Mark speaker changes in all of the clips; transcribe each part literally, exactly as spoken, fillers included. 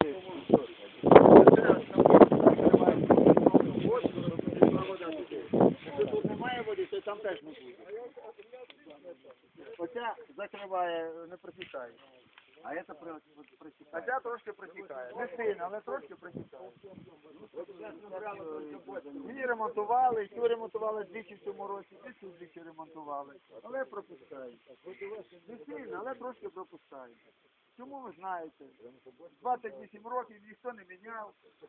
Speaker 1: Тут немає води, то там теж не буде. Оця закриває, не протікає. А це протікає. А ця трошки протікає. Не сильно, але трошки протікає. Її ремонтували, цю ремонтували двічі в цьому році, і цю двічі ремонтували. Але пропускають. Не сильно, але трошки пропускають. Чому ви знаєте? двадцять вісім років ніхто не міняв.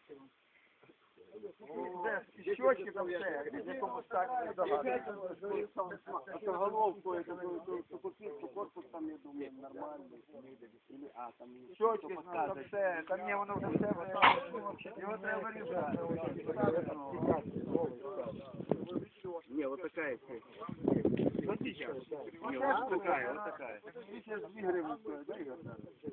Speaker 1: Де і щочки там все, в якому стані не догадується.
Speaker 2: А головку, ту корпус там, я думаю, нормальний. А, там
Speaker 1: щочки, там все, там ні, воно вже все, його треба вирізати.
Speaker 2: Не, вот такая цель. Вот сейчас. Не, вот такая, вот такая.
Speaker 1: Сейчас две гривны стоит, да, Игорь?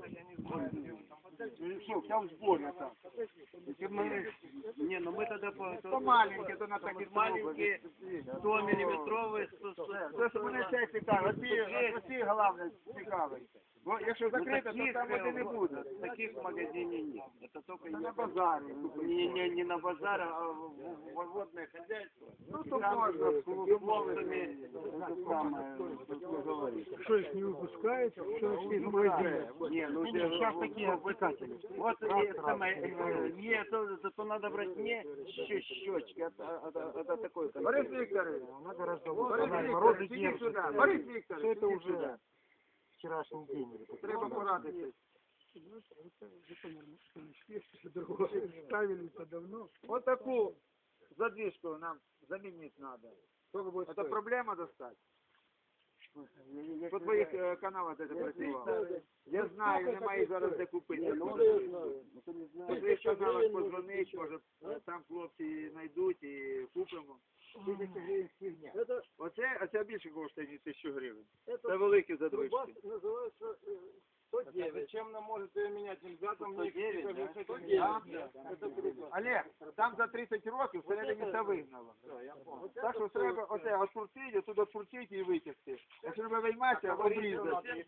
Speaker 1: Что, вся в сборе там.
Speaker 2: Не, ну мы тогда по...
Speaker 1: Это маленькие, то на такие
Speaker 2: маленькие, сто миллиметровые, сто...
Speaker 1: То, що мене ще цікавить, оці головне цікавить. Бо якщо закрито, то там води не буде.
Speaker 2: Таких в магазине нет. Это только
Speaker 1: на базарі.
Speaker 2: Не, не, не на базар, а в водное хозяйство.
Speaker 1: Ну, то можна з
Speaker 2: клубами.
Speaker 1: Что их не выпускают? Что их в магазине?
Speaker 2: Не, ну сейчас такие обыкатели. Вот самое, не, то, то надо брать не щечки, это такой.
Speaker 1: Борис Викторович,
Speaker 2: надо
Speaker 1: раздавать. Борис Викторович, иди сюда. Борис Викторович,
Speaker 2: это уже вчерашний день.
Speaker 1: Треба порадитися. Ставили-то давно. Вот такую задвижку нам заменить надо. Это проблема достать? По твоїх каналах це працювало. Я знаю, немає зараз де купити. По твоїх каналах подзвонить, може там хлопці знайдуть і купимо. Оце, оце більше коштує, ніж тисячу гривень. Це великі задвижки.
Speaker 3: сто девять. Зачем нам может ее менять? Нельзя там мне
Speaker 1: сто девять. Олег, там за тридцять років всередині це вигнало. Так що треба оце отпустити, туди отпустити і витягти. Якщо треба вийматися, обрізати.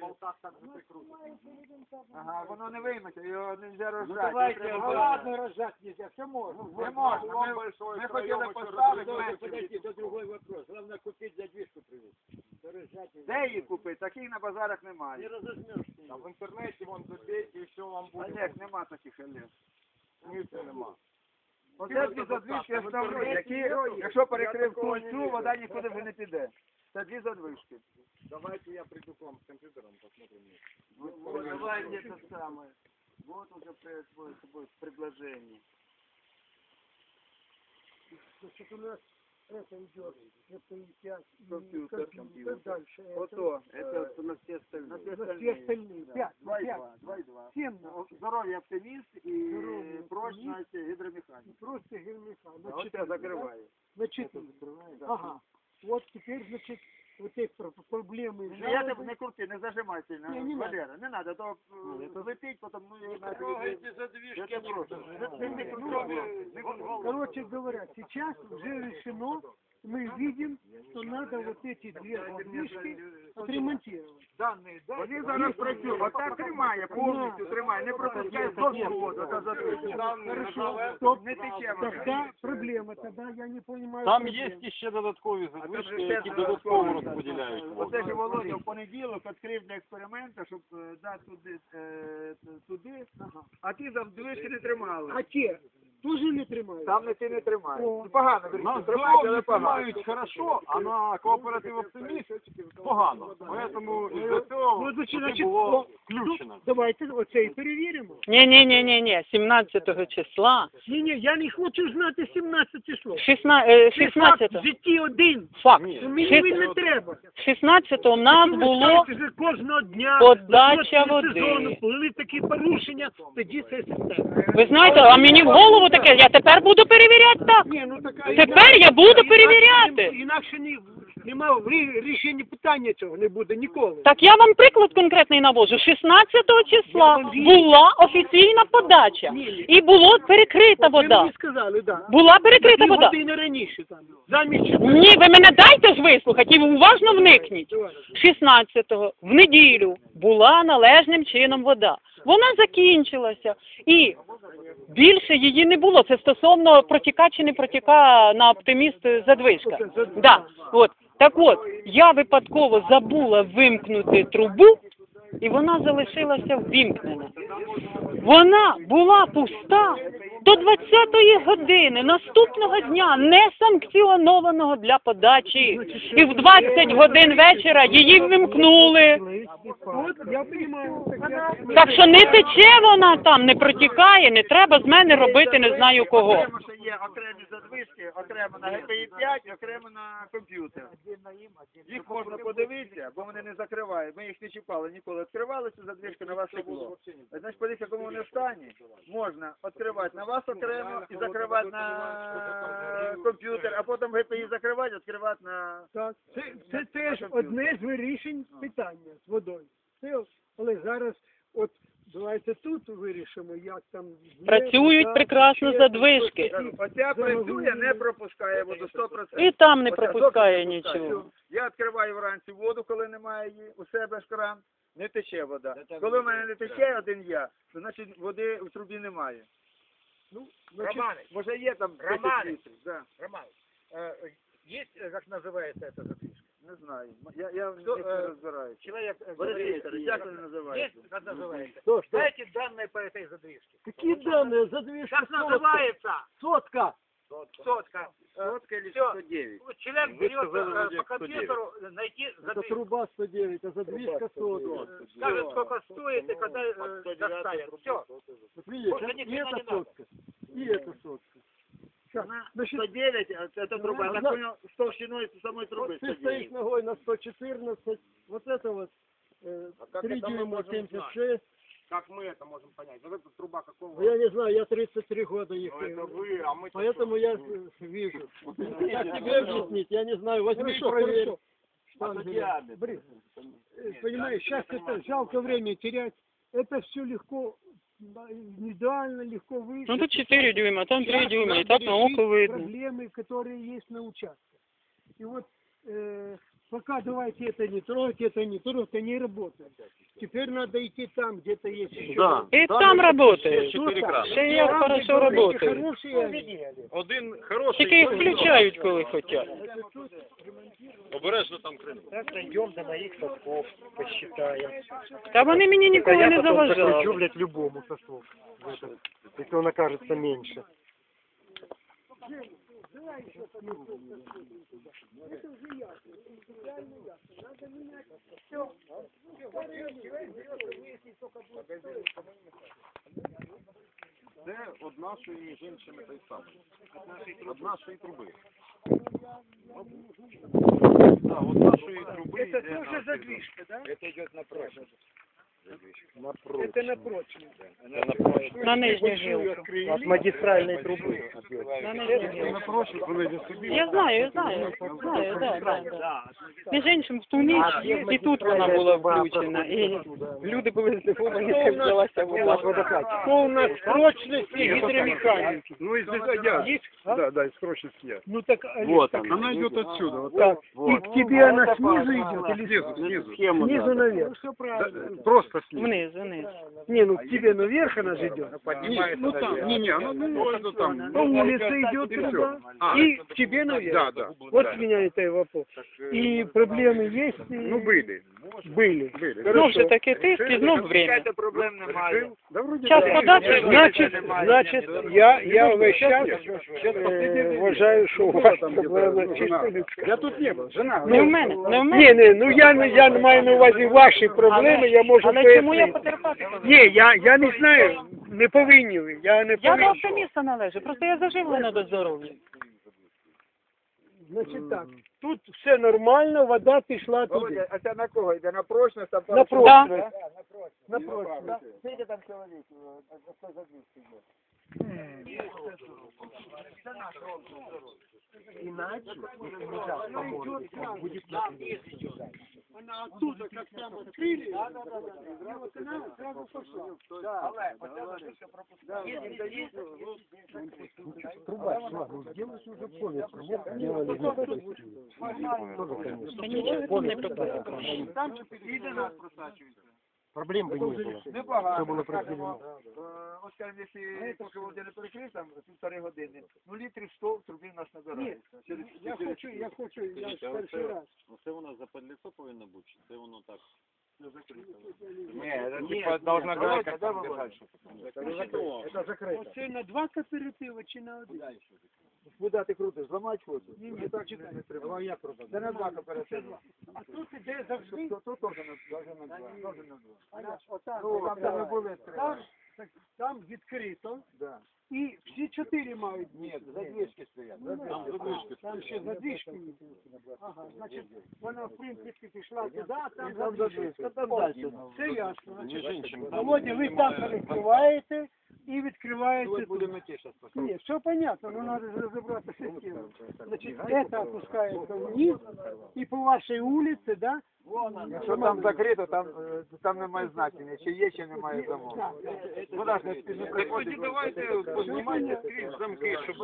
Speaker 1: Ага, воно не вийметься, його не можна розжати.
Speaker 3: Давайте, ладно, розжать нельзя, все можно.
Speaker 1: Не можна, ми, ми хотіли поставити менше.
Speaker 3: Подожди, это другой вопрос. Главное купить задвижку привезти.
Speaker 1: Де її купити? Таких на базарах немає.
Speaker 3: А в интернете вон забейте и все вам будет.
Speaker 1: Олег, нема таких, Олег.
Speaker 3: Смысла нема.
Speaker 1: Оце дві задвижки основні, які, якщо перекрив цю, вода нікуди вже не піде. Це дві задвижки.
Speaker 3: Давайте я приду к вам с компьютером, посмотрим.
Speaker 1: Вот, давай мне это самое. Вот уже происходит предложение.
Speaker 4: Значит, у нас это идет, это и пять,
Speaker 1: Компьютер,
Speaker 4: компьютер, дальше
Speaker 1: Вот
Speaker 4: это,
Speaker 1: то,
Speaker 2: Это на все остальные.
Speaker 1: на все
Speaker 4: на все
Speaker 1: остальные.
Speaker 4: остальные,
Speaker 1: Да.
Speaker 4: пять,
Speaker 1: Два и
Speaker 4: пять,
Speaker 1: два, два и два.
Speaker 4: семь,
Speaker 1: Ну, Здоров'я оптиміст і
Speaker 4: Здоров'я
Speaker 1: прочність гідромеханіка.
Speaker 4: просто гермеха,
Speaker 1: А
Speaker 4: на
Speaker 1: от я
Speaker 4: четыре,
Speaker 1: закриваю.
Speaker 4: на четыре. Ага, вот теперь, значит, вот эти про- проблемы,
Speaker 1: Ну, я
Speaker 4: жалобы.
Speaker 1: тебе не крути, не зажимай сильно,
Speaker 4: Не, не
Speaker 1: Валера, не надо, то е, летить, потім, ну, я знаю,
Speaker 3: Трогайте
Speaker 1: я
Speaker 3: задвижки.
Speaker 1: тебе прошу. Ти не крути, не крути.
Speaker 4: Короче говоря, сейчас уже решено, мы видим, что надо вот эти две задвижки отремонтировать.
Speaker 1: Дані, вони зараз працюють, отак тримає, повністю тримає, не пропускає до воду, та задвижка.
Speaker 4: Хорошо, стоп.
Speaker 1: Не тече вода.
Speaker 4: Тогда проблема, тогда я не понимаю.
Speaker 3: Там
Speaker 4: проблем.
Speaker 3: є ще додаткові
Speaker 1: А
Speaker 3: задвижки,
Speaker 1: там же
Speaker 3: які
Speaker 1: ще
Speaker 3: додатково
Speaker 1: додаткові.
Speaker 3: розподіляють воду.
Speaker 1: Оце ж Володя в понеділок відкрив для експерименту, щоб е, дати туди, е, туди, а ті задвижки не тримали.
Speaker 4: А те тоже не тримают?
Speaker 1: Там не ти не тримаєш.
Speaker 4: О.
Speaker 1: Ну, погано,
Speaker 3: На
Speaker 1: верніше, тримають, але
Speaker 3: здоров'я
Speaker 1: погано.
Speaker 3: тримають хорошо, а на кооператив оптиміст погано. Тому із-за цього
Speaker 4: Ну, значить,
Speaker 3: туди
Speaker 4: значить,
Speaker 3: було
Speaker 4: о,
Speaker 3: включено.
Speaker 4: Давайте оце і перевіримо.
Speaker 5: Ні, ні, ні, ні, ні, сімнадцятого числа,
Speaker 4: Ні, ні, я не хочу знати сімнадцяте число.
Speaker 5: шістнадцятого,
Speaker 4: В житті один.
Speaker 5: факт,
Speaker 4: Ну, мені він не треба.
Speaker 5: шістнадцятого в нас
Speaker 4: Ви
Speaker 5: було
Speaker 4: скажете, що кожного дня
Speaker 5: подача
Speaker 4: до
Speaker 5: води.
Speaker 4: сезону були такі порушення, тоді це система.
Speaker 5: Ви знаєте, а мені в голову таке, я тепер буду перевіряти так.
Speaker 4: Ні, ну така
Speaker 5: Тепер я буду перевіряти.
Speaker 4: Інакше ні, нема рі- рішення питання цього не буде ніколи.
Speaker 5: Так я вам приклад конкретний навожу. шістнадцятого числа була офіційна подача і було перекрита
Speaker 4: Ви
Speaker 5: вода.
Speaker 4: мені сказали, так.
Speaker 5: Була перекрита
Speaker 4: Дві
Speaker 5: вода.
Speaker 4: години раніше там. Замість
Speaker 5: Ні, ви мене дайте ж вислухати і уважно вникніть. шістнадцятого в неділю була належним чином вода. Вона закінчилася. І більше її не було. Це стосовно протіка чи не протіка на оптиміст задвижка. Да. От. Так от, я випадково забула вимкнути трубу, і вона залишилася ввімкнена. Вона була пуста до двадцятої години наступного дня, не санкціонованого для подачі. І в двадцять годин вечора її вимкнули.
Speaker 4: Вот, я понимаю. Так, я...
Speaker 5: Так що не тече вона там, не протікає, не треба з мене робити не знаю кого.
Speaker 1: Окремо ще є окремі задвижки, окремо на Г П І п'ять, окремо на комп'ютер. Їх можна подивитися, бо вони не закривають. Ми їх не чіпали ніколи. Відкривали цю задвижку, на вас стекло. Значить, подивіться, якому вони в стані. Можна відкривати на вас окремо і закривати на комп'ютер, а потім Г П І закривати, відкривати на...
Speaker 4: Так, це, це теж одне з вирішень питання з водою. Це, але зараз, от, давайте тут вирішимо, як там... є,
Speaker 5: Працюють
Speaker 4: так,
Speaker 5: прекрасно
Speaker 4: ще,
Speaker 5: задвижки.
Speaker 1: Оця працює, не пропускає воду сто процентів.
Speaker 5: І там не
Speaker 1: Оця
Speaker 5: пропускає
Speaker 1: зовсім не пропускає.
Speaker 5: нічого.
Speaker 1: Я відкриваю вранці воду, коли немає її, у себе ж кран, не тече вода. Коли в мене не тече один я, то значить води в трубі немає. Ну, значить, може є там десять літрів. Да.
Speaker 6: Роман, э, есть, э, как называется эта задвижка?
Speaker 1: Не знаю. Я, я в них не розбираюся.
Speaker 6: Человек э,
Speaker 1: Борис
Speaker 6: говорит,
Speaker 1: Вікторович, як вони називаються?
Speaker 6: есть, как называется?
Speaker 4: Что, что?
Speaker 6: Дайте данные по этой задвижке.
Speaker 4: Какие данные? Задвижка
Speaker 6: Как называется?
Speaker 4: сотка.
Speaker 6: Сотка.
Speaker 1: Сотка или
Speaker 6: Всё.
Speaker 1: сто девять?
Speaker 6: Вот человек берет э, по компьютеру э, найти
Speaker 4: Это
Speaker 6: задвижку.
Speaker 4: труба сто девять, а задвижка сотка.
Speaker 6: Скажет, сколько стоит и когда э, доставят. Все.
Speaker 4: Вот видишь,
Speaker 6: Больше
Speaker 4: а?
Speaker 6: ни
Speaker 4: И
Speaker 6: хрена
Speaker 4: это
Speaker 6: не надо.
Speaker 4: сотка. И это сотка.
Speaker 1: Вона
Speaker 4: Значит,
Speaker 1: сто девять, а это труба. Я так
Speaker 4: она-
Speaker 1: понял, с толщиной самой трубы
Speaker 4: Вот
Speaker 1: сто
Speaker 4: ты стоишь
Speaker 1: девять.
Speaker 4: ногой на сто четырнадцать, вот это вот э, три дюйма семьдесят шесть.
Speaker 6: Как мы это можем понять? Вот эта труба какого?
Speaker 4: Я не знаю, я тридцать три года их.
Speaker 6: Это вы, а мы...
Speaker 4: Поэтому я э, вижу. Как тебе объяснить? Я не знаю. Возьми, проверь. Штангель. Брис, э, Понимаешь, сейчас это жалко время терять. Это все легко, да, индивидуально, легко выше.
Speaker 5: Ну тут чотири дюйма, там три
Speaker 4: Сейчас
Speaker 5: дюйма, і
Speaker 4: надо
Speaker 5: так на
Speaker 4: решить
Speaker 5: око видно.
Speaker 4: проблемы, которые есть на участке. И вот э, пока давайте это не трогать, это не трогать, это не работает. Теперь надо идти там, где-то есть еще.
Speaker 3: Да.
Speaker 5: І там працює.
Speaker 3: Чотири крани.
Speaker 5: Ще як
Speaker 4: Там,
Speaker 5: хорошо
Speaker 4: где дорожки
Speaker 5: працює.
Speaker 4: хорошие,
Speaker 3: Один хороший,
Speaker 5: Тільки їх включають, коли хочуть.
Speaker 3: обережно там крин.
Speaker 6: Так, дойдем до моих сосков, посчитаем.
Speaker 5: Та вони мені ніколи не заважали.
Speaker 6: блядь, любому соску. Если он окажется меньше.
Speaker 3: Це од нашої, між іншими, той самий. Од нашої труби. Да, от нашої труби
Speaker 4: это
Speaker 3: йде
Speaker 4: тоже
Speaker 3: на-
Speaker 4: задвижка, да?
Speaker 6: Это идет напротив.
Speaker 4: Это напрочно.
Speaker 5: На нижню жилку.
Speaker 6: От магистральной трубы.
Speaker 5: На нижню жилку. Я знаю, я знаю. Знаю, да, да, да. Між іншим, в ту ніч і тут вона була включена. І люди були здивовані, як взялася вода.
Speaker 4: Что у нас прочности гидромеханики?
Speaker 3: Ну, из я. Да, да, из прочности я.
Speaker 4: Ну так, Олег,
Speaker 3: Вот
Speaker 4: так,
Speaker 3: она. Она идет отсюда. Вот
Speaker 4: так,
Speaker 3: Вот.
Speaker 4: и к тебе она снизу идет или
Speaker 3: Снизу, снизу.
Speaker 4: снизу наверх? Все
Speaker 3: Да,
Speaker 4: правильно.
Speaker 3: просто снизу.
Speaker 5: Вниз, вниз.
Speaker 4: Не, ну к тебе наверх она же идет.
Speaker 3: Не, ну там, не, не, она ну, ну, там.
Speaker 4: По улице идет
Speaker 3: И
Speaker 4: туда,
Speaker 3: всё. А,
Speaker 4: и к тебе наверх.
Speaker 3: Да, да.
Speaker 4: Вот
Speaker 3: да.
Speaker 4: меня это и вопрос. И проблемы есть? и
Speaker 3: Ну, были.
Speaker 4: Были.
Speaker 3: Были.
Speaker 5: Знов же таки тиск і знов время.
Speaker 1: Чекайте, проблем немає.
Speaker 3: Да, вроде
Speaker 5: Час
Speaker 3: да.
Speaker 5: подачі,
Speaker 4: Значит, значит, я, я весь час э, вважаю, що у вас проблема чисто людська.
Speaker 3: Я тут не был, жена.
Speaker 5: Не в мене, не в
Speaker 4: Ні,
Speaker 5: мене.
Speaker 4: ні, ну я, не- я не маю на увазі ваші проблеми, я можу
Speaker 5: Але чому я
Speaker 4: пояснити.
Speaker 5: потерпати повинна?
Speaker 4: Ні, я, я не знаю, не повинні ви, я не
Speaker 5: Я до
Speaker 4: повинен.
Speaker 5: оптиміста належу, просто я заживлена до здоров'я.
Speaker 4: Значить так, тут все нормально, вода пішла туди.
Speaker 1: Володя, а це на кого йде? На прочність? Там
Speaker 4: На прочность.
Speaker 1: На прочність. Скільки там чоловік? Хто задвижки йде?
Speaker 4: Она оттуда, как там открыли, и вот она сразу пошла.
Speaker 6: Труба шла, ну сделать уже понял, нет, делали.
Speaker 5: Та нічого там не пропадає.
Speaker 1: Там чи підійде нас просачується?
Speaker 6: Проблем бы не было.
Speaker 1: Небагато.
Speaker 6: Все було
Speaker 1: скажімо,
Speaker 6: прозріло.
Speaker 1: е, От, скажімо, якщо поки води не перекрив, там півтори години, ну літрів сто в трубі в нас набирається. Через-
Speaker 4: Я
Speaker 1: через-
Speaker 4: хочу, я хочу, я ж перший раз.
Speaker 7: Це воно западліцо повинно бути, чи це воно так?
Speaker 3: Не, это типа должна
Speaker 1: Володя,
Speaker 3: гайка
Speaker 1: да,
Speaker 3: там
Speaker 1: Володя?
Speaker 3: держать.
Speaker 6: Это закрыто.
Speaker 4: Оце на два кооперативи чи на один?
Speaker 1: Куди ти крутиш? Зламати хочеш?
Speaker 4: Ні, ні, так чекай.
Speaker 6: Давай я пробую.
Speaker 1: Це на два кооперативи.
Speaker 4: А тут іде завжди.
Speaker 1: Тут тут теж на теж на два. Теж на два.
Speaker 4: Отак,
Speaker 1: Ну,
Speaker 4: там,
Speaker 1: там не були
Speaker 4: там, так, там відкрито.
Speaker 1: Да.
Speaker 4: І всі чотири мають.
Speaker 1: Ні, задвижки стоять.
Speaker 4: Там, там ще задвижки. Ага, значить, вона, в принципі, пішла туди, а там
Speaker 1: Там
Speaker 4: задвижки.
Speaker 1: задвижки. Там далі.
Speaker 4: Це ясно.
Speaker 7: Між
Speaker 4: Значить,
Speaker 7: іншим,
Speaker 4: Володя, ви там перекриваєте і відкриваєте
Speaker 1: Ось
Speaker 4: тут.
Speaker 1: будемо ті зараз поставити.
Speaker 4: Нет, все понятно, но надо же разобраться с этим. Значит, это опускается вниз, и по вашей улице, да?
Speaker 1: Якщо там закрито, там, е, там немає значення, чи є, чи немає замок. Вода ж не не
Speaker 3: Так
Speaker 1: приходить.
Speaker 3: тоді давайте познімайте скрізь замки, щоб...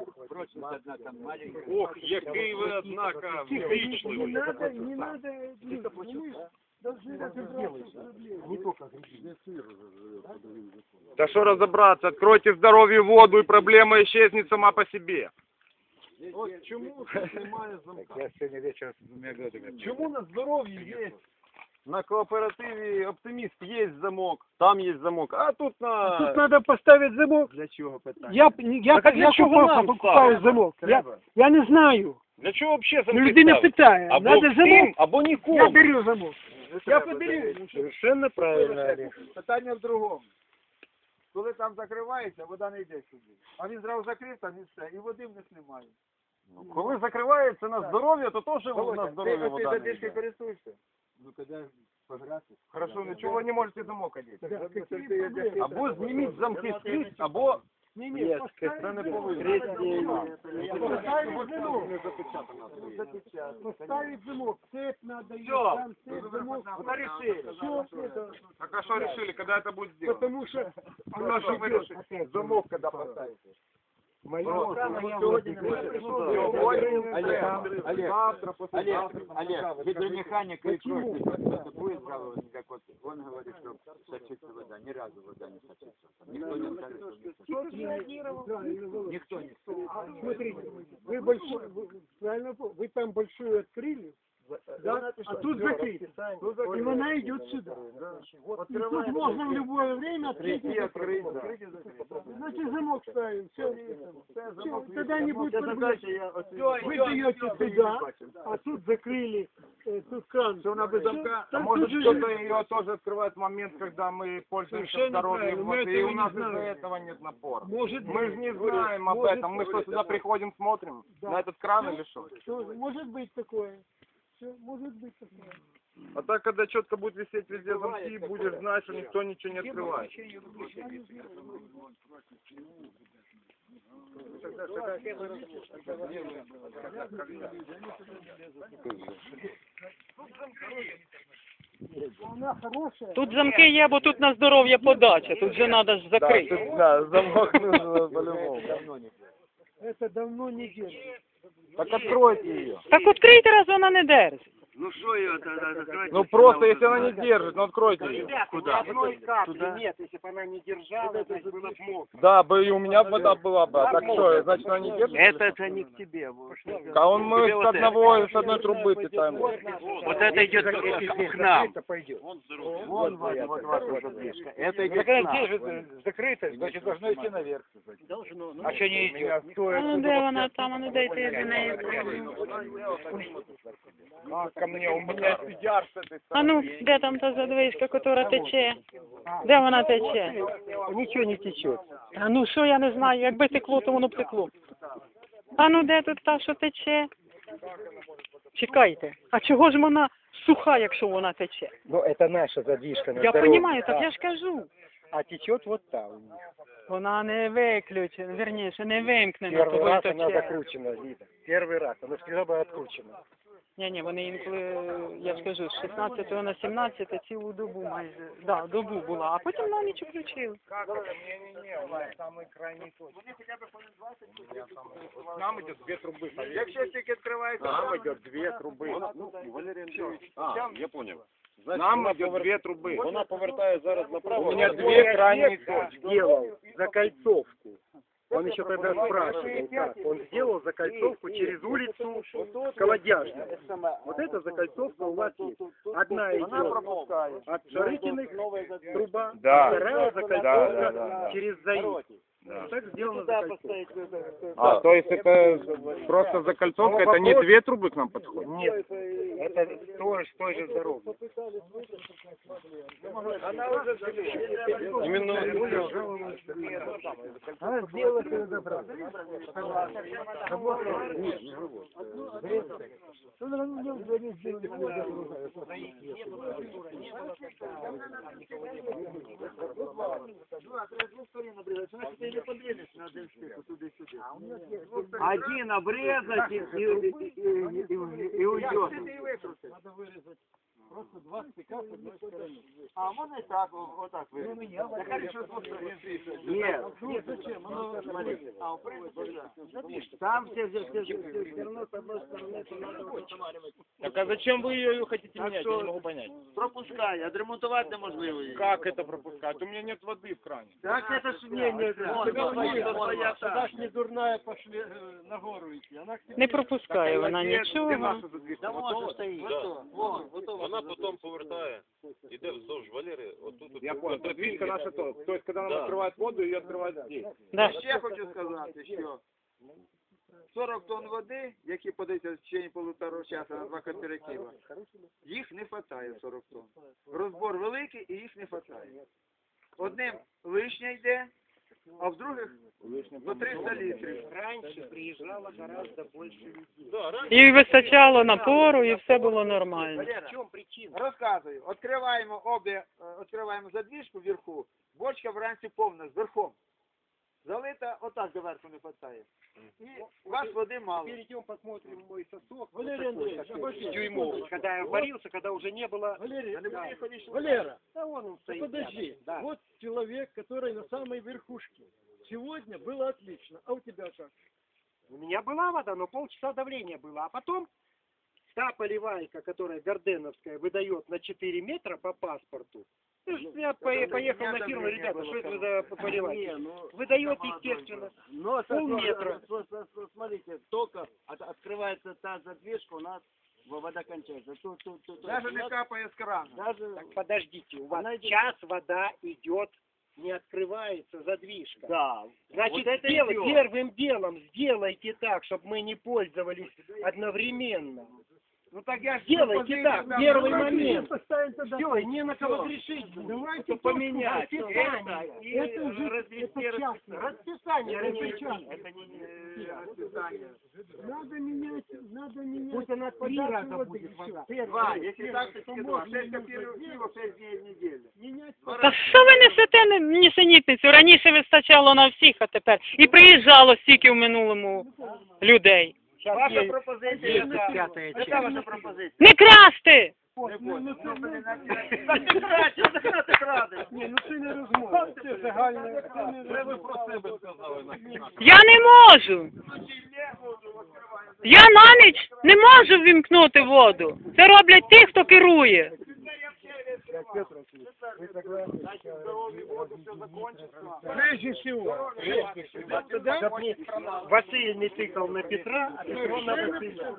Speaker 3: Ох, який ви, однако,
Speaker 4: Не
Speaker 3: ввічливий.
Speaker 4: надо, не надо, ну, мы должны разобраться с проблемой.
Speaker 3: Да что разобраться, откройте здоровье воду, и проблема исчезнет сама по себе. От чому тут немає замка?
Speaker 6: Я сегодня вечером с двумя годами.
Speaker 3: Чому на здоров'ї є? На кооперативі «Оптиміст» є замок, там є замок, а тут на...
Speaker 4: Тут надо поставить замок.
Speaker 6: Для чего питання?
Speaker 4: Я, я,
Speaker 3: Так а
Speaker 4: я,
Speaker 3: для
Speaker 4: я
Speaker 3: чого
Speaker 4: покупаю,
Speaker 3: нам
Speaker 4: покупаю
Speaker 3: ставити?
Speaker 4: замок. Я, я не знаю.
Speaker 3: Для чого взагалі
Speaker 4: Ну,
Speaker 3: замки
Speaker 4: людина
Speaker 3: ставити?
Speaker 4: питає.
Speaker 3: Або
Speaker 4: Надо
Speaker 3: всім,
Speaker 4: замок.
Speaker 3: або
Speaker 4: Я
Speaker 3: нікому.
Speaker 4: беру замок. Я подарю.
Speaker 6: Совершенно правильно, Олег.
Speaker 1: Питання в другому. Коли там закривається, вода не йде сюди. А він зразу закрив, там і все, і води в них немає.
Speaker 3: Ну, коли закривається на здоров'я, то теж
Speaker 1: Володя,
Speaker 3: на
Speaker 1: ти
Speaker 3: здоров'я
Speaker 1: оцей
Speaker 3: вода не
Speaker 1: задвижкою
Speaker 3: йде.
Speaker 1: користуєшся? Ну, коли пограти.
Speaker 3: Хорошо, нічого ви не можете замок одіти.
Speaker 4: Да, какие проблемы?
Speaker 3: Або зніміть замки скрізь, або...
Speaker 4: Не, не, поставить замок. Поставить замок. Поставить замок. Цепь надо, и
Speaker 3: Всё.
Speaker 4: там цепь, замок.
Speaker 3: Вот решили.
Speaker 4: Все, это,
Speaker 3: Так а что решили, когда это будет сделано?
Speaker 4: потому что
Speaker 3: Ну, что вы решили? Замок когда поставите?
Speaker 6: Моя
Speaker 1: Олег, Олег, завтра, послезавтра, Олег, гидромеханик и кровь будет жаловаться, как вот он говорит, что сочится вода, ни разу вода не сочится. Никто не скажет, что не сочится. Никто не скажет.
Speaker 4: Смотрите, вы большой, вы, правильно, понял, вы там большую открыли, да, а тут закрыто. И она идет сюда. И тут можно в любое время открыть и закрыть. Значит, замок ставим, все, тогда не будет проблем. Вы даете туда, а тут закрыли, э, тут кран.
Speaker 1: Что она без
Speaker 4: Всё,
Speaker 1: замка?
Speaker 3: А
Speaker 4: так
Speaker 3: может
Speaker 4: тут же-
Speaker 3: кто-то ее тоже открывает в момент, когда мы пользуемся
Speaker 4: Совершенно
Speaker 3: здоровьем,
Speaker 4: правильно,
Speaker 3: вот,
Speaker 4: мы
Speaker 3: и
Speaker 4: этого
Speaker 3: у нас
Speaker 4: не
Speaker 3: из-за
Speaker 4: знаем.
Speaker 3: этого нет напора.
Speaker 4: Может
Speaker 3: Мы же
Speaker 4: быть.
Speaker 3: не знаем об
Speaker 4: Может
Speaker 3: этом, мы что,
Speaker 4: быть.
Speaker 3: сюда приходим, смотрим
Speaker 4: Да.
Speaker 3: на этот кран или что?
Speaker 4: Тоже может быть такое. Все, может быть такое.
Speaker 3: А так, когда четко будет висеть везде замки, будешь знать, что никто ничего не открывает.
Speaker 4: Она хорошая.
Speaker 5: Тут замки є, бо тут на здоров'я подача, тут же треба ж закрити.
Speaker 3: Да, замок нужно по-любому.
Speaker 4: Это давно не делали.
Speaker 3: Так откройте ее.
Speaker 5: Так відкрийте, раз вона не держить.
Speaker 3: Ну просто, если она не держит, ну откройте ее.
Speaker 2: Куда? Одной капли нет, если бы она не держала, значит было бы мокро.
Speaker 3: Да, бы и у меня вода была бы. А так что, значит она не держит?
Speaker 2: Это, это не к тебе. Вот,
Speaker 3: А он мы с одного, с одной трубы питаем.
Speaker 2: вот это идет к нам.
Speaker 6: Это пойдет.
Speaker 2: Вон, вот, вот, вот задвижка. Это
Speaker 6: Так
Speaker 2: идет к
Speaker 6: она
Speaker 2: нам.
Speaker 6: держит, закрыта, значит должно идти наверх.
Speaker 2: Должно, ну,
Speaker 6: А что не идет?
Speaker 5: А ну де вона там, а ну дайте я до неї.
Speaker 3: А, ко мне, у меня сидят с этой
Speaker 5: А ну, де там та задвижка, котра тече? Де вона тече?
Speaker 6: Ничего не течет.
Speaker 5: А ну що я не знаю, якби текло, то воно б текло. А ну де тут та, що тече? Чекайте, а чого ж вона суха, якщо вона тече?
Speaker 6: Ну это наша задвижка на
Speaker 5: Я
Speaker 6: здоровье.
Speaker 5: розумію, так я ж кажу.
Speaker 6: А течет вот там.
Speaker 5: Вона не виключена, вірніше, не вимкнена,
Speaker 6: Первый
Speaker 5: того
Speaker 6: раз
Speaker 5: й
Speaker 6: она
Speaker 5: тече.
Speaker 6: закручена, видно. Первый раз, она всегда была откручена.
Speaker 5: Ні, ні, вони інколи, я ж кажу, з шістнадцятого на сімнадцяте цілу добу майже, да, добу була, а потім на ніч включили.
Speaker 3: самый крайний точка. Нам идет две трубы.
Speaker 1: Якщо тільки відкривається,
Speaker 3: Нам идет две трубы.
Speaker 7: Ну, Валерий Андреевич, а, я понял.
Speaker 3: Нам идет две трубы.
Speaker 7: Вона повертає зараз направо.
Speaker 3: У меня две крайние точки.
Speaker 6: Сделал закольцовку. Он еще тогда спрашивал, как. Он сделал закольцовку через улицу Колодяжную. Вот эта закольцовка у вас есть. Одна идет от Шарыкиных, труба,
Speaker 3: Да.
Speaker 6: а вторая
Speaker 3: Да,
Speaker 6: закольцовка
Speaker 3: да, да, да.
Speaker 6: через ЗАИ.
Speaker 3: Да.
Speaker 6: Так сделано закольцовка.
Speaker 3: А, то есть это просто закольцовка, это не две трубы к нам подходят?
Speaker 6: Нет, это тоже с той же дороги.
Speaker 3: Именно...
Speaker 4: Она сделала это добра.
Speaker 2: Один обрезать и, и, и, и, и, и уйдет.
Speaker 1: А можно и так, вот так вырезать? Я хочу, что
Speaker 2: Нет.
Speaker 1: Нет, зачем? Оно, смотри. А, в принципе, да.
Speaker 2: Там все, все, все, все, все равно с одной стороны это надо устанавливать.
Speaker 7: Так а зачем вы ее хотите
Speaker 2: Так
Speaker 7: менять?
Speaker 2: что-
Speaker 7: Я не могу понять.
Speaker 2: Пропускай, отремонтувати неможливо її.
Speaker 3: Как это пропускать? У меня нет воды в кране.
Speaker 2: Так это ж не, не,
Speaker 4: Сюда ж не дурная пошли э, на гору идти. Она к тебе
Speaker 5: Не пропускає вона нічого.
Speaker 2: Да може стоїть.
Speaker 7: Вона потім повертає, іде вздовж Валери, отут. от-
Speaker 3: Я понял. То есть фишка наша то. То есть когда нам
Speaker 7: Да.
Speaker 3: открывают воду, ее открывают здесь.
Speaker 5: Да.
Speaker 1: Ще хочу сказати, що сорок тонн води, які подаються в течение полутора часу на два кооператива, їх не вистачає сорок тонн. Розбор великий і їх не вистачає. Одним лишня йде, а в других до триста літрів.
Speaker 6: Раньше приезжало гораздо больше людей.
Speaker 7: Да, раніше
Speaker 5: І вистачало напору, і все було нормально.
Speaker 6: В чем причина?
Speaker 1: Розказую. Відкриваємо обе, е, відкриваємо задвижку вверху, бочка вранці повна, з верхом. Залита, отак до верху не вистачає. І у вас води мало.
Speaker 6: Перейдем, посмотрим мой сосок.
Speaker 4: Валерий Андреевич, обожди.
Speaker 6: Дюймовый, когда я варился, когда уже не было...
Speaker 4: Валерий,
Speaker 6: Да.
Speaker 4: Валера,
Speaker 6: Да вон он
Speaker 4: да
Speaker 6: стоит.
Speaker 4: подожди.
Speaker 6: Да.
Speaker 4: Вот человек, который на самой верхушке. Сегодня было отлично. А у тебя как?
Speaker 6: У меня была вода, но полчаса давления было. А потом та поливайка, которая Горденовская, выдает на четыре метра по паспорту. Ну, Я по- поехал на фирму, ребята, что это за поливайка? Выдает, естественно,
Speaker 2: Но
Speaker 6: полметра.
Speaker 2: Смотрите, только от- открывается та задвижка, у нас вода кончается. Тут, тут, тут,
Speaker 1: Даже
Speaker 2: тут,
Speaker 1: не капає з крана.
Speaker 2: даже
Speaker 6: Так подождите, у вас час вода идет, не открывается задвижка.
Speaker 2: да.
Speaker 6: Значит,
Speaker 2: Вот это
Speaker 6: дело-
Speaker 2: идёт.
Speaker 6: первым делом сделайте так, чтобы мы не пользовались одновременно.
Speaker 1: Ну так я ж
Speaker 6: Сделайте так, первый момент.
Speaker 4: Поставим тогда.
Speaker 6: Все, и не на кого грешить.
Speaker 4: Давайте
Speaker 6: поменять.
Speaker 4: расписание.
Speaker 6: Это, и
Speaker 4: Это же
Speaker 6: развести
Speaker 4: это частное.
Speaker 6: расписание.
Speaker 4: Это
Speaker 6: развести.
Speaker 4: частное.
Speaker 6: Это не-
Speaker 4: Надо менять, надо менять.
Speaker 6: Пусть она три
Speaker 4: подачу
Speaker 6: раза
Speaker 4: воды,
Speaker 6: будет
Speaker 4: всё.
Speaker 6: вода.
Speaker 1: Два, якщо
Speaker 4: Первый,
Speaker 1: так, то
Speaker 4: то
Speaker 1: тільки два.
Speaker 4: можно
Speaker 1: Шесть копійок, шесть днів в неділю.
Speaker 4: менять.
Speaker 5: Та що ви несете не- нісенітницю? Раніше вистачало на всіх, а тепер. І приїжджало стільки в минулому людей.
Speaker 6: Сейчас
Speaker 2: Ваша
Speaker 6: есть-
Speaker 2: пропозиція,
Speaker 6: есть
Speaker 2: яка?
Speaker 6: пятая
Speaker 2: Яка
Speaker 6: часть.
Speaker 2: ваша пропозиція?
Speaker 5: Не красти!
Speaker 4: Ну, ну, це не-
Speaker 2: Так ти краще, так на ти крадеш.
Speaker 4: Ні, ну це не розмова. Це загальне. Це не
Speaker 7: Це ви про себе сказали.
Speaker 5: Я не можу. Я на ніч не можу ввімкнути воду. Це роблять ті, хто керує.
Speaker 4: Прежде всего.
Speaker 6: Чтоб не Василий не тыкал на Петра, а Петро на Василия.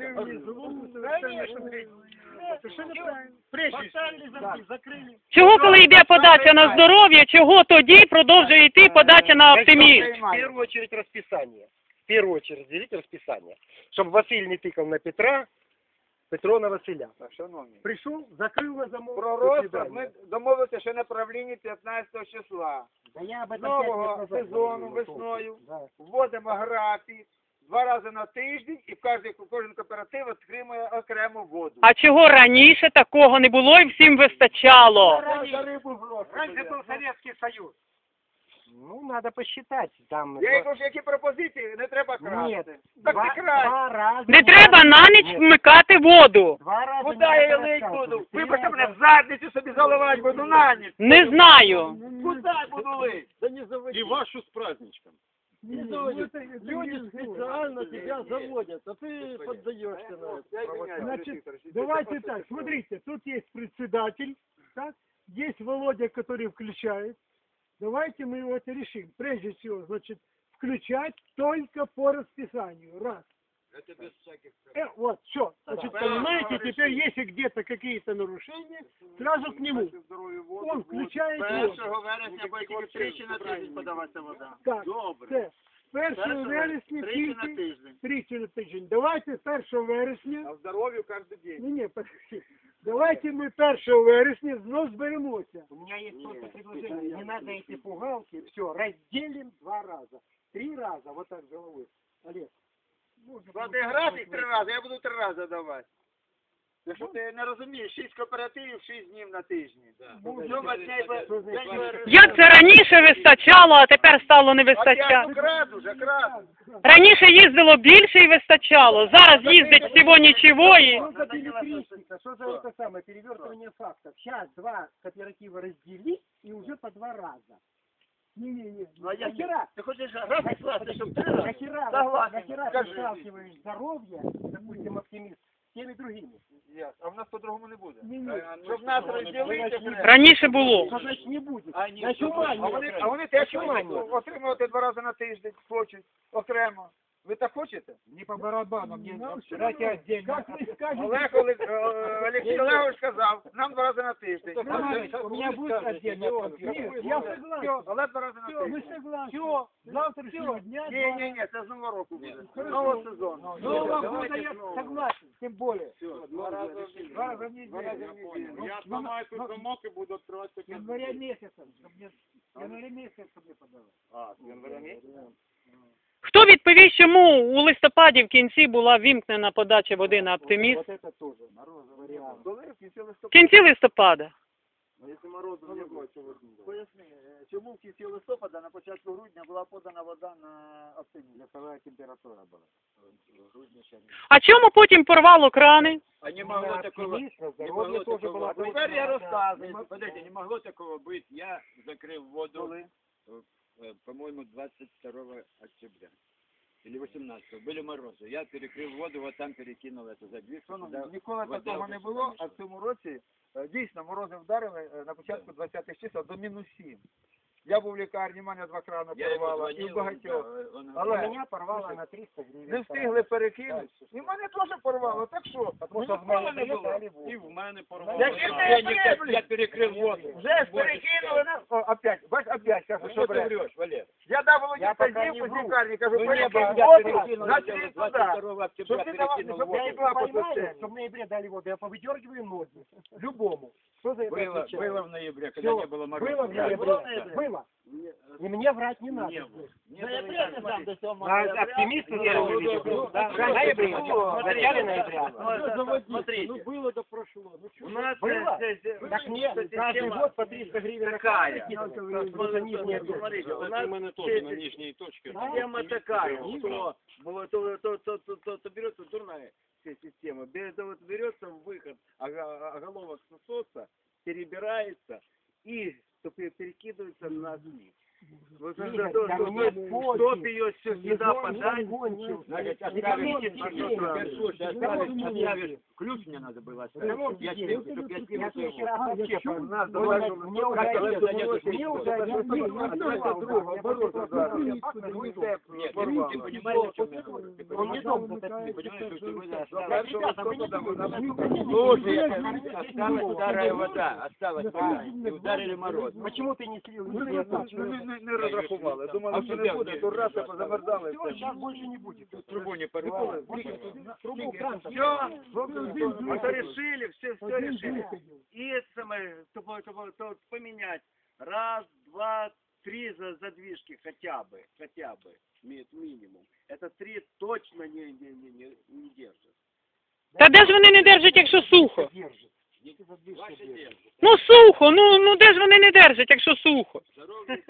Speaker 4: Прежде
Speaker 6: Закрыли.
Speaker 5: Чого, коли йде подача на здоров'я, чого тоді продовжує йти подача на оптимізм?
Speaker 6: В первую очередь расписание. В первую очередь делите расписание. Чтобы Василий не тыкал на Петра, Петро на Василя.
Speaker 1: Так, шановні.
Speaker 6: Пришел, закрыл на замок.
Speaker 1: Про
Speaker 6: до
Speaker 1: розклад
Speaker 6: свидания.
Speaker 1: ми домовилися ще на правлінні п'ятнадцятого числа.
Speaker 6: Да я об этом
Speaker 1: Нового
Speaker 6: пять лет назад
Speaker 1: сезону
Speaker 6: говорил.
Speaker 1: весною
Speaker 6: Да.
Speaker 1: вводимо графік два рази на тиждень і кожен, кожен кооператив отримує окрему воду.
Speaker 5: А чого раніше такого не було і всім вистачало?
Speaker 1: За рибу гроші.
Speaker 6: Раньше был Советский Союз. Ну, надо посчитать. Там...
Speaker 1: Я їй кажу, які пропозиції, не треба красти.
Speaker 6: Нет,
Speaker 1: Так
Speaker 6: два,
Speaker 1: ти край.
Speaker 6: два раза.
Speaker 5: Не треба на ніч вмикати воду.
Speaker 6: Два раза.
Speaker 1: Куди
Speaker 6: не
Speaker 1: я її
Speaker 6: надо
Speaker 1: лить
Speaker 6: рассказывать.
Speaker 1: буду?
Speaker 6: Три
Speaker 1: Вибачте
Speaker 6: раза.
Speaker 1: мене в задницю собі заливати буду на ніч.
Speaker 5: Не знаю.
Speaker 1: Куди буду лить?
Speaker 4: Да не заводи.
Speaker 7: І вашу з праздничком.
Speaker 4: Не,
Speaker 8: Не
Speaker 4: ну,
Speaker 8: заводят.
Speaker 4: это- это
Speaker 8: Люди
Speaker 4: не
Speaker 8: специально тебя заводят, а ты поддаешься на это.
Speaker 4: Значит, давайте так, смотрите, тут есть председатель, так? Есть Володя, который включает. Давайте мы его это решим. Прежде всего, значит, включать только по расписанию. Раз.
Speaker 7: Это без всяких...
Speaker 4: Э, вот, все. Значит, понимаете, теперь если где-то какие-то нарушения, сразу к нему. Он включает воду.
Speaker 2: Першого вересня буде тільки тричі на тиждень подаватися вода.
Speaker 4: Так,
Speaker 2: Добре.
Speaker 4: це. першого
Speaker 2: Першого
Speaker 4: вересня
Speaker 2: тричі на
Speaker 4: тільки
Speaker 2: тиждень.
Speaker 4: тричі на тиждень. Давайте першого вересня.
Speaker 1: А здоров'ю кожен день.
Speaker 4: Ні, ні, подожди. Давайте ми першого вересня знов зберемося.
Speaker 6: У меня есть просто предложение. Не надо эти пугалки. Все, разделим два раза. Три раза, вот так головой. Олег.
Speaker 2: Склади графік три рази, я буду три рази давати. Якщо ти не розумієш, шість кооперативів, шість днів на тижні. Сьома дня і по- день-
Speaker 5: Як це раніше вистачало, а тепер стало не
Speaker 2: А я
Speaker 5: вистачати?
Speaker 2: крад уже, крад.
Speaker 5: Раніше їздило більше і вистачало. Зараз їздить всього нічого і...
Speaker 6: Что за билетристика? Что за это самое перевертывание фактов? Сейчас два кооператива разделить и уже по два раза. Не-не-не.
Speaker 2: Ну а я
Speaker 6: Нахера?
Speaker 2: Ти хочеш графік скласти, щоб три рази?
Speaker 6: Нахера?
Speaker 2: Согласен.
Speaker 6: Нахера ты
Speaker 2: Скажи.
Speaker 6: сталкиваешь здоровье, допустим, оптимист, с теми другими?
Speaker 2: А в нас по-другому не буде.
Speaker 4: Ні-ні.
Speaker 2: Щоб нас розділити, треба.
Speaker 5: Раніше було.
Speaker 6: Что значит не будет?
Speaker 2: А, ні,
Speaker 6: Значит, ума
Speaker 2: а
Speaker 6: нет.
Speaker 2: вони, а вони теж
Speaker 6: Значит, ума нет.
Speaker 2: отримувати два рази на тиждень хочуть, окремо. Ви так хочете?
Speaker 1: Не по барабану, мне
Speaker 4: Нам всё
Speaker 1: дайте
Speaker 4: равно.
Speaker 1: отдельно.
Speaker 4: Как вы скажете,
Speaker 2: Олег Олег- е, Олексій Олегович сказав, нам два рази на тиждень.
Speaker 1: У меня будет отдельно.
Speaker 4: Нет, я согласен.
Speaker 2: Але два рази на
Speaker 4: Все, мы
Speaker 2: тиждень.
Speaker 4: согласны. С завтрашнего дня.
Speaker 2: Ні, ні, ні, це з нового року буде. З нового сезону.
Speaker 4: Нового
Speaker 2: Давайте
Speaker 4: года я
Speaker 2: з нового.
Speaker 4: согласен, тем более.
Speaker 2: Два рази в неділю.
Speaker 4: Два раза в неделю.
Speaker 1: Я сломаю тут замок и буду открывать.
Speaker 4: Января месяца, чтобы мне, января месяца, чтобы мне подавать.
Speaker 2: А, з января місяця?
Speaker 5: Хто відповість, чому у листопаді в кінці була вімкнена подача води на оптиміст?
Speaker 6: Вот это тоже. Вариант.
Speaker 2: Коли в кінці
Speaker 5: В
Speaker 2: листопада?
Speaker 5: кінці листопада.
Speaker 2: Якщо морозу не було, чого ж не було? Поясни, е, чому в кінці листопада на початку грудня була подана вода на оптиміст? Яка температура була?
Speaker 5: А чому потім порвало крани?
Speaker 7: А не могло такого...
Speaker 6: Оптимист, на
Speaker 7: Не
Speaker 6: здоровье
Speaker 7: могло
Speaker 6: тоже
Speaker 7: такого
Speaker 6: была.
Speaker 7: быть.
Speaker 2: Тепер я розказую.
Speaker 7: Подождите, не могло такого быть. Я закрыл воду,
Speaker 2: Коли?
Speaker 7: э, по-моему, двадцать второго октября. Или восемнадцатого. Были морозы. Я перекрыл воду, вот там перекинул эту задвижку.
Speaker 2: Шановні,
Speaker 7: туда
Speaker 2: ніколи
Speaker 7: вода
Speaker 2: такого не
Speaker 7: вышла.
Speaker 2: було, а в цьому році е, дійсно морози вдарили е, на початку двадцятих чисел до мінус сім. Я був в лікарні, мене два крана
Speaker 7: Я ему
Speaker 2: порвало, і
Speaker 7: звонил,
Speaker 2: в багатьох.
Speaker 7: да, он
Speaker 2: Але
Speaker 7: говорит,
Speaker 6: Меня порвало на триста гривен.
Speaker 2: не встигли перекинути. І мене теж порвало, так що?
Speaker 6: Потому что в
Speaker 2: Ніколи
Speaker 6: мене
Speaker 2: не було.
Speaker 6: дали воду.
Speaker 7: и в мене порвало.
Speaker 2: Я не
Speaker 7: Я,
Speaker 2: знаю,
Speaker 7: не- я перекрыл воду.
Speaker 2: Вже ж перекинули нас. О, опять, бач, опять, кажу,
Speaker 7: Ну
Speaker 2: що
Speaker 7: что ты
Speaker 2: бред.
Speaker 7: врешь, Валер?
Speaker 2: Я дав Володі
Speaker 6: Я пока
Speaker 2: вказівку
Speaker 6: не
Speaker 2: з
Speaker 6: вру.
Speaker 2: лікарні, кажу,
Speaker 7: Ну не было,
Speaker 2: перекинь
Speaker 7: я
Speaker 2: воду
Speaker 7: перекинул
Speaker 2: на
Speaker 7: где-то
Speaker 2: світ
Speaker 7: двадцать
Speaker 2: туди.
Speaker 7: второго октября,
Speaker 2: Щоб ти давав,
Speaker 7: перекинул
Speaker 2: щоб
Speaker 7: воду.
Speaker 2: не була по
Speaker 6: Понимаешь,
Speaker 2: системі.
Speaker 6: что в ноябре дали воду, я повыдергиваю ноги. Любому. Что за это
Speaker 7: Было,
Speaker 6: отвечает?
Speaker 7: было в ноябре, когда
Speaker 6: Всё,
Speaker 7: не было мороза.
Speaker 6: Было в ноябре. Было. И мне врать не надо.
Speaker 7: Не было. Не
Speaker 2: Ну, я
Speaker 7: было.
Speaker 2: прямо сам до сьомого
Speaker 6: А
Speaker 2: ноября.
Speaker 6: оптимисты верили, видимо. Да, в ноябре. В начале ноября.
Speaker 2: Смотрите.
Speaker 8: Ну было да прошло. Ну
Speaker 2: У нас
Speaker 6: Было?
Speaker 2: здесь, э,
Speaker 6: Так нет, каждый
Speaker 2: система
Speaker 6: год по триста гривен.
Speaker 2: такая.
Speaker 6: Просто нижняя точка.
Speaker 2: Смотрите, у
Speaker 7: У
Speaker 2: нас
Speaker 7: мене тоже на нижней точке.
Speaker 2: система такая, что было то, то, то, то, то, то берется дурная вся система, Бе- то вот берется выход, ого- оголовок насоса, перебирается и то пе- перекидывается на снег. Вот
Speaker 6: Нет,
Speaker 2: это то,
Speaker 6: там
Speaker 2: что-
Speaker 6: нет
Speaker 2: что-
Speaker 6: почвы.
Speaker 2: чтоб ее все сюда
Speaker 6: Сезон
Speaker 2: подать,
Speaker 6: закончился.
Speaker 7: Значит,
Speaker 6: Не
Speaker 7: оставишь,
Speaker 6: видите,
Speaker 7: а
Speaker 6: теперь.
Speaker 7: что, теперь, слушай, оставишь, оставишь, ключ мне надо было оставить,
Speaker 6: Потому
Speaker 7: чтоб я
Speaker 6: что
Speaker 7: тебе,
Speaker 6: я
Speaker 7: чтоб я
Speaker 6: Я
Speaker 7: тебе
Speaker 6: следующий
Speaker 7: его.
Speaker 6: раз вообще
Speaker 4: чё?
Speaker 6: нас
Speaker 2: Мне уже
Speaker 6: мне уже
Speaker 7: как
Speaker 6: один,
Speaker 7: это зайдёт,
Speaker 6: мне уже один,
Speaker 4: Нет,
Speaker 6: мне
Speaker 4: нет,
Speaker 6: уже
Speaker 4: нет,
Speaker 6: один,
Speaker 2: друга,
Speaker 6: я
Speaker 2: оборот
Speaker 6: просто
Speaker 2: ударил.
Speaker 6: смотрю,
Speaker 2: Ну, и
Speaker 6: ну,
Speaker 2: це
Speaker 7: Нет,
Speaker 2: порвало.
Speaker 7: ты понимаешь, о чем я говорю? Ты
Speaker 6: Он
Speaker 7: понимаешь,
Speaker 6: не
Speaker 7: что-
Speaker 6: дом
Speaker 7: ты
Speaker 6: затопил.
Speaker 7: понимаешь, что ты
Speaker 2: Да,
Speaker 7: оставишь,
Speaker 2: ребята, мы не будем.
Speaker 7: слушай, осталась старая вода, осталась вода, и ударили мороз.
Speaker 6: Почему ты не слил?
Speaker 2: Ну,
Speaker 6: Не
Speaker 2: не,
Speaker 6: слил.
Speaker 2: не, не, не розрахували. Думали,
Speaker 7: А
Speaker 2: що
Speaker 7: в
Speaker 2: не
Speaker 7: тебе
Speaker 2: буде,
Speaker 7: где?
Speaker 2: то раз, а позамерзали.
Speaker 6: Все, сейчас больше не будет.
Speaker 7: Трубу не порвало.
Speaker 6: Трубу кран.
Speaker 2: Все, это решили, все, все решили. И это самое, чтобы, чтобы, чтобы поменять. Раз, два, три за задвижки хотя бы, хотя бы, ми- минимум. Это три точно не, не, не, не, не держит.
Speaker 5: Та де ж вони не держать, якщо сухо?
Speaker 6: Держит.
Speaker 7: Ваши держат.
Speaker 5: Ну сухо, ну, ну де ж вони не держать, якщо сухо?
Speaker 7: Здоровье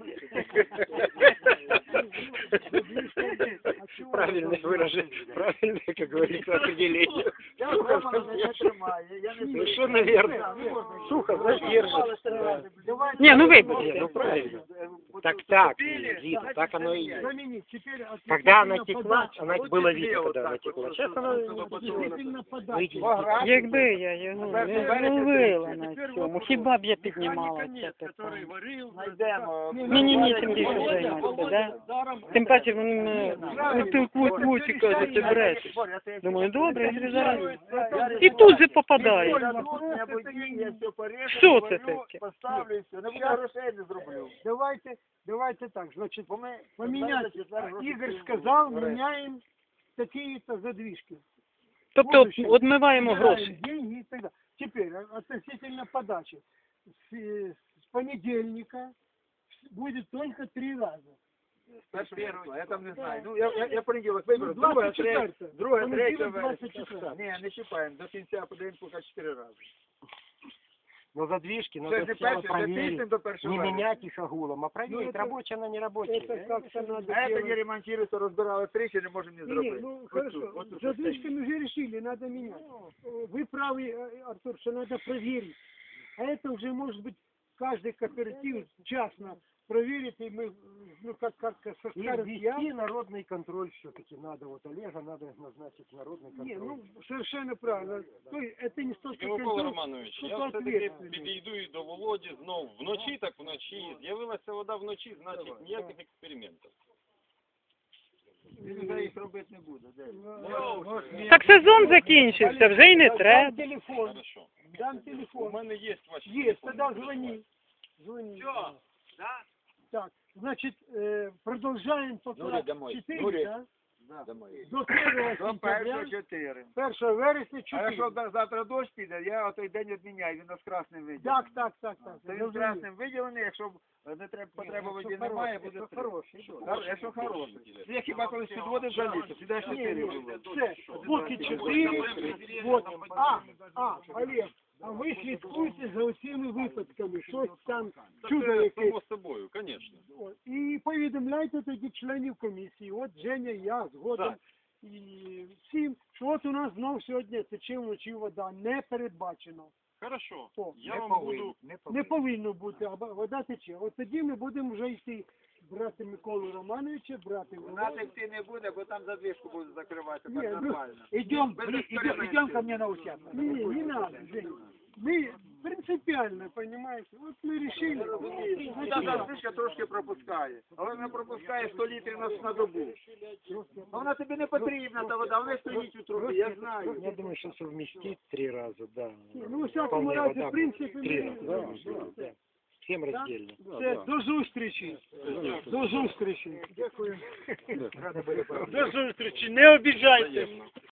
Speaker 3: Правильное выражение, правильное, как говорится, определение.
Speaker 2: Я дома не тримаю, я не
Speaker 3: Ну что, наверное, сухо, задержит.
Speaker 5: Ні, ну вибач.
Speaker 3: Ну правильно.
Speaker 6: Так, так,
Speaker 2: Пили,
Speaker 6: Зина,
Speaker 2: значит,
Speaker 6: так оно и
Speaker 2: заменяй.
Speaker 6: есть.
Speaker 4: Заменить. Теперь
Speaker 6: Когда она
Speaker 4: относительно
Speaker 6: текла,
Speaker 4: подачи.
Speaker 6: она
Speaker 2: Вот
Speaker 6: было
Speaker 2: теплее
Speaker 6: видно,
Speaker 2: вот
Speaker 6: когда
Speaker 2: так
Speaker 6: она
Speaker 2: вот,
Speaker 6: текла.
Speaker 2: вот,
Speaker 6: Сейчас
Speaker 2: чтобы
Speaker 6: она...
Speaker 4: Относительно подачи.
Speaker 6: Выйдет.
Speaker 5: Якби я його не ловила на цьому, хіба б я піднімала це
Speaker 2: Механик, который
Speaker 5: питання.
Speaker 2: варил,
Speaker 1: Знайдемо.
Speaker 5: Ні, ні, ні, тим більше займатися, да? Тим паче вони мене кут кут кут і кажуть, ти брешеш. Думаю, добре, я говорю, зараз. І тут же попадає.
Speaker 1: Я тут не воді, я все порежу,
Speaker 5: Що це
Speaker 1: зварю,
Speaker 5: таке?
Speaker 1: поставлю і все. Не буде грошей, не зроблю.
Speaker 4: Давайте, давайте так, значит,
Speaker 1: Бо ми
Speaker 4: поменять.
Speaker 1: четвер гроші
Speaker 4: Игорь
Speaker 1: купимо.
Speaker 4: сказал, меняем такие-то задвижки.
Speaker 5: Тобто відмиваємо
Speaker 4: Убираем
Speaker 5: гроші.
Speaker 4: деньги и так далее. Теперь а- относительно подачи. С, э, с понедельника будет только три раза.
Speaker 1: Першого числа, я там не знаю. Ну, я, я, я понеділок виберу,
Speaker 4: Ну,
Speaker 1: друге,
Speaker 4: двадцять
Speaker 1: третє,
Speaker 4: четверте.
Speaker 1: друге,
Speaker 4: Понеділок,
Speaker 1: третє вересня.
Speaker 4: двадцять четверте.
Speaker 1: Ні, не чіпаємо, до кінця подивимось поки чотири рази.
Speaker 6: Но задвижки
Speaker 1: Це
Speaker 6: надо
Speaker 1: ж не
Speaker 6: сначала
Speaker 1: перше, не тиждень
Speaker 6: проверить.
Speaker 1: до першого
Speaker 6: Не
Speaker 1: вересня.
Speaker 6: менять их огулом, а проверить,
Speaker 4: это-
Speaker 6: рабочая она не рабочая.
Speaker 4: Это как-то надо
Speaker 1: А це не
Speaker 4: делать.
Speaker 1: ремонтується, розбирали тричі, не можемо не
Speaker 4: Не, не,
Speaker 1: зробити.
Speaker 4: ну
Speaker 1: От
Speaker 4: хорошо,
Speaker 1: тут, от тут
Speaker 4: с задвижками уже решили, надо менять. Вы правы, э, Артур, что надо проверить. А это уже может быть каждый кооператив частно проверит, и мы, ну как, как, как
Speaker 6: И
Speaker 4: скажем, я...
Speaker 6: ввести народный контроль все-таки надо. Вот Олега надо назначить народный контроль.
Speaker 4: Не, ну совершенно правильно. То есть это не столько
Speaker 9: Микола
Speaker 4: контроль,
Speaker 9: Романович,
Speaker 4: сколько
Speaker 9: я все-таки
Speaker 4: ответственность.
Speaker 9: підійду і до Володі знов вночі, так вночі. З'явилася вода вночі, значить ніяких експериментів.
Speaker 1: Він вже їх робити не буде. де?
Speaker 4: Ну,
Speaker 5: Так сезон закінчився, вже й не
Speaker 4: Дам
Speaker 5: треба.
Speaker 4: телефон,
Speaker 9: Хорошо.
Speaker 4: дам
Speaker 9: У
Speaker 4: телефон.
Speaker 9: мене є ваші
Speaker 4: Есть,
Speaker 9: телефони,
Speaker 4: тогда
Speaker 9: не переживайте.
Speaker 4: звони. Звони.
Speaker 2: Все, да?
Speaker 4: Так, значит, э, продолжаем пока
Speaker 7: Нури домой.
Speaker 4: четыре,
Speaker 7: Нури.
Speaker 4: да?
Speaker 7: Домой.
Speaker 4: До первого
Speaker 1: До
Speaker 4: сентября,
Speaker 1: першого чотири.
Speaker 4: первого вересня
Speaker 1: А
Speaker 4: четыре.
Speaker 1: якщо да- завтра дощ піде, я той день відміняю, він у нас красним виділений.
Speaker 4: Так, так, так, так.
Speaker 1: То він красним виділений, якщо не треба, потреба воді немає, буде три. Хор- Якщо хороший. Я хіба колись підводив жаліти, сюди чотири було.
Speaker 4: Все, поки чотири, вот. А, а, Олег, а ви слідкуйте за усіми випадками, щось там, чудо
Speaker 9: Це
Speaker 4: якесь.
Speaker 9: само собою, звісно.
Speaker 4: О, і повідомляйте тоді членів комісії, от Женя, я згодом, і всім, що от у нас знов сьогодні тече вночі вода, не передбачено.
Speaker 9: Хорошо.
Speaker 4: О,
Speaker 9: Я вам буду...
Speaker 4: Не повинно бути, а вода тече. От тоді ми будемо вже йти брати Миколу Романовича, брати
Speaker 1: У нас йти не буде, бо там задвижку будуть закривати,
Speaker 4: Ні,
Speaker 1: так
Speaker 4: ну,
Speaker 1: нормально.
Speaker 4: Идем,
Speaker 1: Без
Speaker 4: идем,
Speaker 1: экспериментов.
Speaker 4: идем ко мне на участок. Не, не, не надо, Женя. Мы принципиально, понимаете, вот мы решили.
Speaker 1: Ну, та задвижка трошки пропускає, але вона пропускає сто літрів на, на добу. А вона тобі не потрібна, та вода, вона стоїть у трубі, я знаю.
Speaker 6: Я думаю, что совместить три раза, да.
Speaker 4: Ну, у всякому
Speaker 6: Вполне
Speaker 4: разі,
Speaker 6: вода
Speaker 4: в принципі,
Speaker 6: Три
Speaker 4: ми...
Speaker 6: раза, да, да. Всем раздельно.
Speaker 4: Все, до зустрічі. До зустрічі. Дякую.
Speaker 6: До зустрічі, не обіжайте.